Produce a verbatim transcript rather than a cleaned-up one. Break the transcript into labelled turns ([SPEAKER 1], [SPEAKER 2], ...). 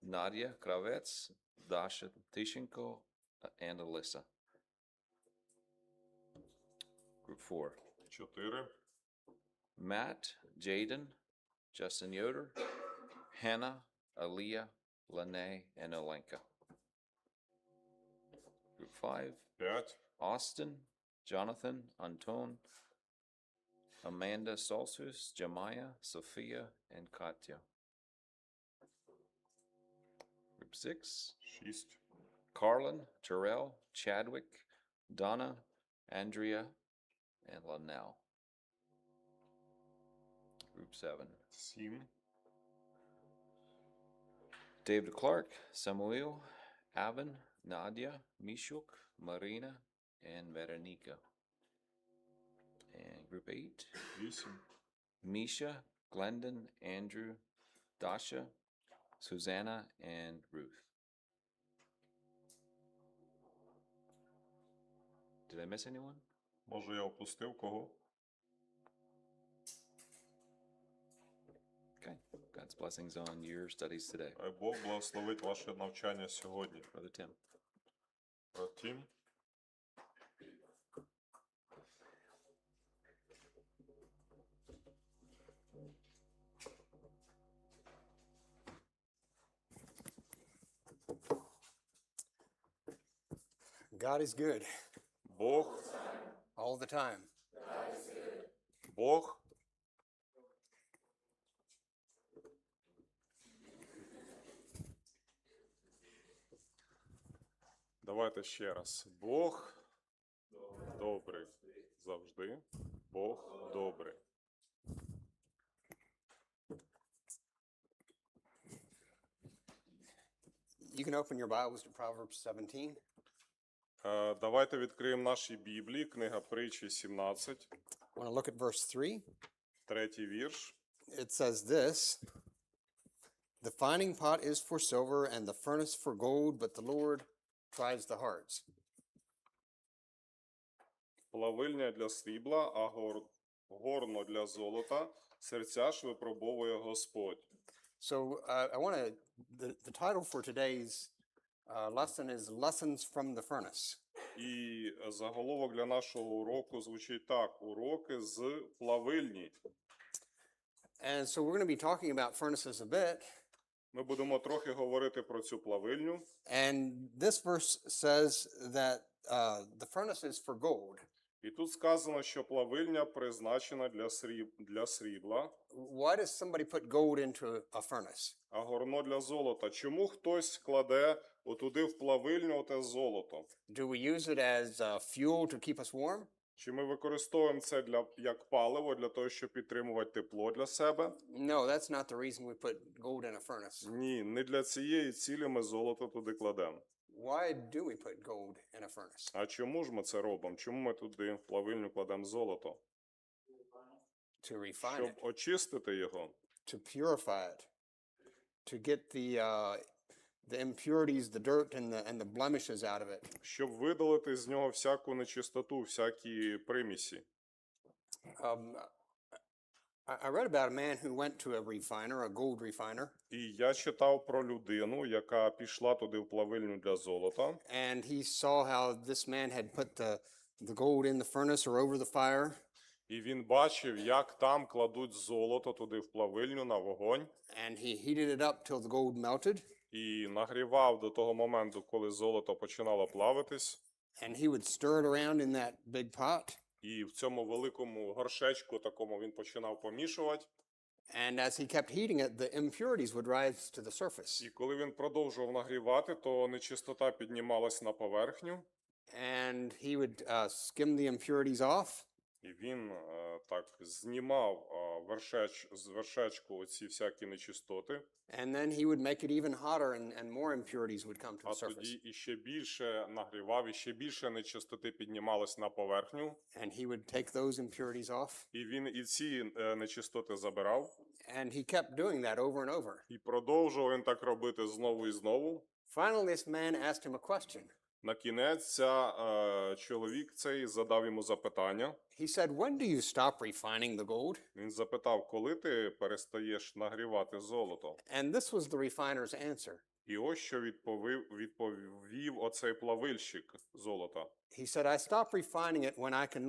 [SPEAKER 1] Nadia Kravets, Dasha Tishenko, and Alyssa. Group four.
[SPEAKER 2] Чотири.
[SPEAKER 1] Matt, Jaden, Justin Yoder, Hannah, Aaliyah, Lene, and Olenka. Group five.
[SPEAKER 2] П'ять.
[SPEAKER 1] Austin, Jonathan, Anton, Amanda Salsus, Jemiah, Sophia, and Katya. Group six.
[SPEAKER 2] Шість.
[SPEAKER 1] Carlin, Terrell, Chadwick, Donna, Andrea, and Linnell. Group seven.
[SPEAKER 2] Сім.
[SPEAKER 1] David Clark, Samuel, Avin, Nadia, Mishuk, Marina, and Veronica. And group eight.
[SPEAKER 2] Вісім.
[SPEAKER 1] Misha, Glendon, Andrew, Dasha, Susanna, and Ruth. Did I miss anyone?
[SPEAKER 2] Може, я опустив кого?
[SPEAKER 1] Okay. God's blessings on your studies today.
[SPEAKER 2] Хай Бог благословить ваше навчання сьогодні.
[SPEAKER 1] Brother Tim.
[SPEAKER 2] Брат Тім.
[SPEAKER 3] God is good
[SPEAKER 2] Бог,
[SPEAKER 3] all the time.
[SPEAKER 2] Бог. Давайте ще раз. Бог добрий. Завжди. Бог добрий.
[SPEAKER 3] You can open your Bibles to Proverbs seventeen.
[SPEAKER 2] Е, Давайте відкриємо наші Біблії, книга Притчі сімнадцять,
[SPEAKER 3] I want to look at verse three.
[SPEAKER 2] третій вірш.
[SPEAKER 3] It says this: The finding pot is for silver and the furnace for gold, but the Lord tries the hearts.
[SPEAKER 2] Плавильня для срібла, а гор... горно для золота. Серця ж випробовує Господь.
[SPEAKER 3] So uh, I want to, the, the title for today's uh, lesson is Lessons from the Furnace.
[SPEAKER 2] І заголовок для нашого уроку звучить так: уроки з плавильні.
[SPEAKER 3] And so we're going to be talking about furnaces a bit.
[SPEAKER 2] Ми будемо трохи говорити про цю плавильню.
[SPEAKER 3] And this verse says that uh, the furnace is for gold.
[SPEAKER 2] І тут сказано, що плавильня призначена для, сріб... для срібла,
[SPEAKER 3] Why does somebody put gold into a furnace?
[SPEAKER 2] а горно для золота. Чому хтось кладе отуди в плавильню оте золото?
[SPEAKER 3] Do we use it as uh, fuel to keep us warm?
[SPEAKER 2] Чи ми використовуємо це для, як паливо, для того, щоб підтримувати тепло для себе?
[SPEAKER 3] No, that's not the reason we put gold in a furnace.
[SPEAKER 2] Ні, не для цієї цілі ми золото туди кладемо.
[SPEAKER 3] Why do we put gold in a furnace?
[SPEAKER 2] А чому ж ми це робимо? Чому ми туди в плавильню кладемо золото?
[SPEAKER 3] To refine
[SPEAKER 2] Щоб
[SPEAKER 3] it,
[SPEAKER 2] очистити його,
[SPEAKER 3] to purify it, to get the uh, the impurities, the dirt, and the and the blemishes out of it.
[SPEAKER 2] щоб видалити з нього всяку нечистоту, всякі примісі.
[SPEAKER 3] Um, I, I read about a man who went to a refiner, a gold refiner,
[SPEAKER 2] І я читав про людину, яка пішла туди в плавильню для золота,
[SPEAKER 3] and he saw how this man had put the the gold in the furnace or over the fire,
[SPEAKER 2] і він бачив, як там кладуть золото туди в плавильню на вогонь,
[SPEAKER 3] and he heated it up till the gold melted,
[SPEAKER 2] і нагрівав до того моменту, коли золото починало плавитись,
[SPEAKER 3] and he would stir it around in that big pot.
[SPEAKER 2] і в цьому великому горшечку такому він починав помішувати.
[SPEAKER 3] And as he kept heating it, the impurities would rise to the surface.
[SPEAKER 2] І коли він продовжував нагрівати, то нечистота піднімалась на поверхню,
[SPEAKER 3] And he would uh, skim the impurities off,
[SPEAKER 2] і він е, так знімав е, вершеч, з вершечку оці всякі нечистоти,
[SPEAKER 3] and then he would make it even hotter, and, and more impurities would come to
[SPEAKER 2] а
[SPEAKER 3] the surface.
[SPEAKER 2] тоді іще більше нагрівав, і ще більше нечистоти піднімалось на поверхню,
[SPEAKER 3] And he would take those impurities off,
[SPEAKER 2] і він і ці е, нечистоти забирав,
[SPEAKER 3] and he kept doing that over and over.
[SPEAKER 2] і продовжував він так робити знову і знову.
[SPEAKER 3] Finally, this man asked him a question.
[SPEAKER 2] На кінець ця, е, чоловік цей задав йому запитання.
[SPEAKER 3] He said, "When do you stop refining the gold?"
[SPEAKER 2] Він запитав, коли ти перестаєш нагрівати золото?
[SPEAKER 3] And this was the refiner's answer.
[SPEAKER 2] І ось що відповів, відповів оцей плавильщик золота.
[SPEAKER 3] He said, I stop refining it when I can